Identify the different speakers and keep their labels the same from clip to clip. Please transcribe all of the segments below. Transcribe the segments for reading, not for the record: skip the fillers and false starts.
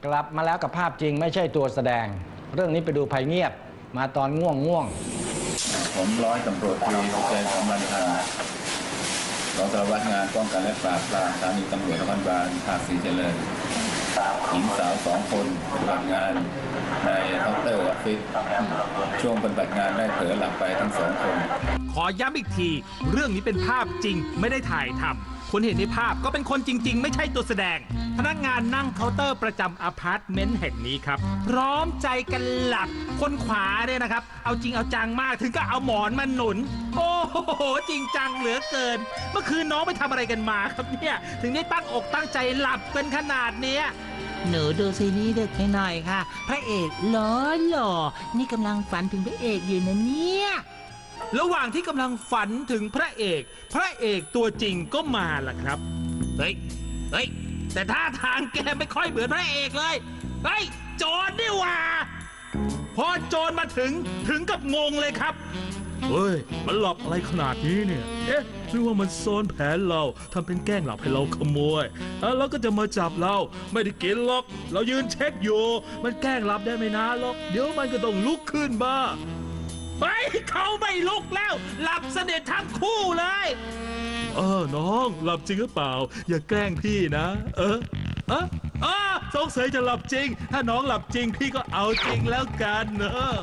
Speaker 1: กลับมาแล้วกับภาพจริงไม่ใช่ตัวแสดงเรื่องนี้ไปดูภัยเงียบมาตอนง่วง
Speaker 2: ผมร้อยตำรวจตรีสุใจสำรันพันธ์รองสารวัตรงานป้องกันและปราบปรามสถานีตำรวจนครบาลภาคศรีเจริญหญิงสาว2 คนปฏิบัติงานในเคาน์เตอร์ออฟฟิศช่วงปฏิบัติงานได้เผลอหลับไปทั้ง2 คน
Speaker 3: ขอย้ำอีกทีเรื่องนี้เป็นภาพจริงไม่ได้ถ่ายทำคนเห็นในภาพก็เป็นคนจริงๆไม่ใช่ตัวแสดงพนักงานนั่งเคาน์เตอร์ประจำอพาร์ตเมนต์แห่งนี้ครับพร้อมใจกันหลับคนขวาเนี่ยนะครับเอาจริงเอาจังมากถึงก็เอาหมอนมาหนุนโอ้โหจริงจังเหลือเกินเมื่อคืนน้องไปทำอะไรกันมาครับเนี่ยถึงได้ตั้งอกตั้งใจหลับเป็นขนาดเนี้ย
Speaker 4: หนูดูซีรีส์ดึกหน่อยค่ะพระเอกหล่อนี่กำลังฝันถึงพระเอกอยู่นะเนี่ย
Speaker 3: ระหว่างที่กำลังฝันถึงพระเอกตัวจริงก็มาล่ะครับเฮ้ยแต่ท่าทางแกไม่ค่อยเหมือนพระเอกเลยเฮ้ยโจรนี่หว่าพอโจรมาถึงกับงงเลยครับเฮ้ยมันหลับอะไรขนาดนี้เนี่ยเอ๊ะหรือว่ามันซ้อนแผนเราทำเป็นแกล้งหลับให้เราขโมยแล้วก็จะมาจับเราไม่ได้กินหรอกเรายืนเช็คอยู่มันแกล้งหลับได้ไม่นานหรอกเดี๋ยวมันก็ต้องลุกขึ้นมาไปเขาไม่ลุกแล้วหลับสนิททั้งคู่เลยน้องหลับจริงหรือเปล่าอย่าแกล้งพี่นะสงสัยจะหลับจริงถ้าน้องหลับจริงพี่ก็เอาจริงแล้วกันเนอะ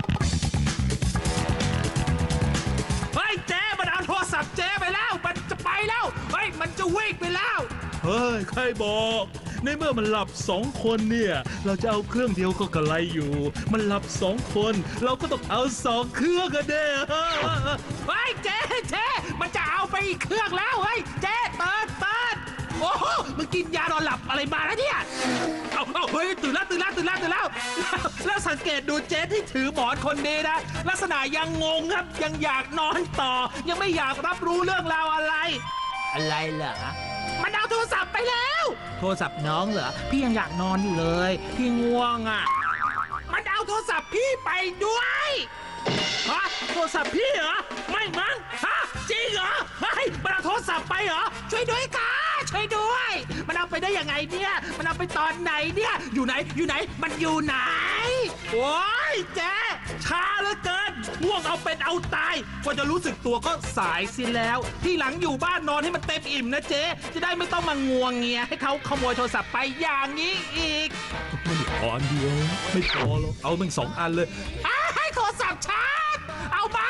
Speaker 3: เฮ้ยเจ๊มันเอาโทรศัพท์เจ๊ไปแล้วมันจะไปแล้วเฮ้ยมันจะวิ่งไปแล้วเฮ้ยใครบอกในเมื่อมันหลับ2 คนเนี่ยเราจะเอาเครื่องเดียวก็กระไรอยู่มันหลับ2 คนเราก็ต้องเอา2 เครื่องกันเด้อเฮ้ยเจ๊มันจะเอาไปอีกเครื่องแล้วเฮ้ยเจ๊เติร์ดโอ้โหมึงกินยานอนหลับอะไรมาแล้วเนี่ยเอาเฮ้ยตื่นแล้วแล้วสังเกตดูเจ๊ที่ถือหมอนคนนี้นะลักษณะยังงงครับยังอยากนอนต่อยังไม่อยากรับรู้เรื่องราวอะไร
Speaker 4: เหรอ
Speaker 3: มันเอาโทรศัพท์ไปแล้ว
Speaker 4: โทรศัพท์น้องเหรอพี่ยังอยากนอนอยู่เลยพี่ง่วงอ่ะ
Speaker 3: มันเอาโทรศัพท์พี่ไปด้วยฮะโทรศัพท์พี่เหรอไม่มั้งฮะจริงเหรอเฮ้ยมันเอาโทรศัพท์ไปเหรอช่วยด้วยค่ะช่วยด้วยมันเอาไปได้ยังไงเนี่ยมันเอาไปตอนไหนเนี่ยอยู่ไหนมันอยู่ไหนโอ้ยเจ๊ช้าเหลือเกินง่วงเอาเป็นเอาตายกว่าจะรู้สึกตัวก็สายสิแล้วที่หลังอยู่บ้านนอนให้มันเต็มอิ่มนะเจ๊จะได้ไม่ต้องมางวงเงียให้เขาขโมยโทรศัพท์ไปอย่างนี้อีกมันอันเดียวไม่พอหรอกเอาเป็น2 อันเลยให้โทรศัพท์ชาร์จเอามา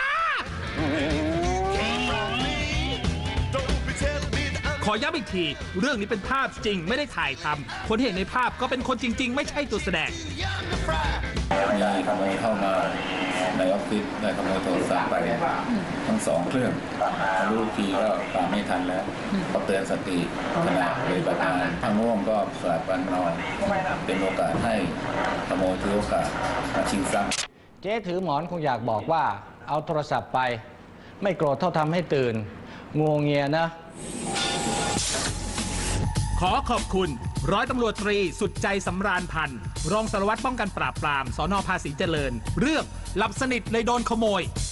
Speaker 3: ขอย้ำอีกทีเรื่องนี้เป็นภาพจริงไม่ได้ถ่ายทำคนเห็นในภาพก็เป็นคนจริงๆไม่ใช่ตัวแสดง
Speaker 2: มีขโมยเข้ามาในออฟฟิศได้ขโมยโทรศัพท์ไปทั้ง2 เครื่องรู้ทีก็ตามไม่ทันแล้วก็เตือนสติขณะปฏิบัติงานทางง่วงก็สลับวันนอนเป็นโอกาสให้ขโมยถือโอกาสมาชิงทรัพย์
Speaker 1: เจ๊ถือหมอนคงอยากบอกว่าเอาโทรศัพท์ไปไม่โกรธเท่าทำให้ตื่นงวงเงียนะ
Speaker 3: ขอขอบคุณร้อยตำรวจตรีสุดใจสำราญพันธ์รองสารวัตรป้องกันปราบปรามสน.ภาษีเจริญเรื่องหลับสนิทเลยโดนขโมย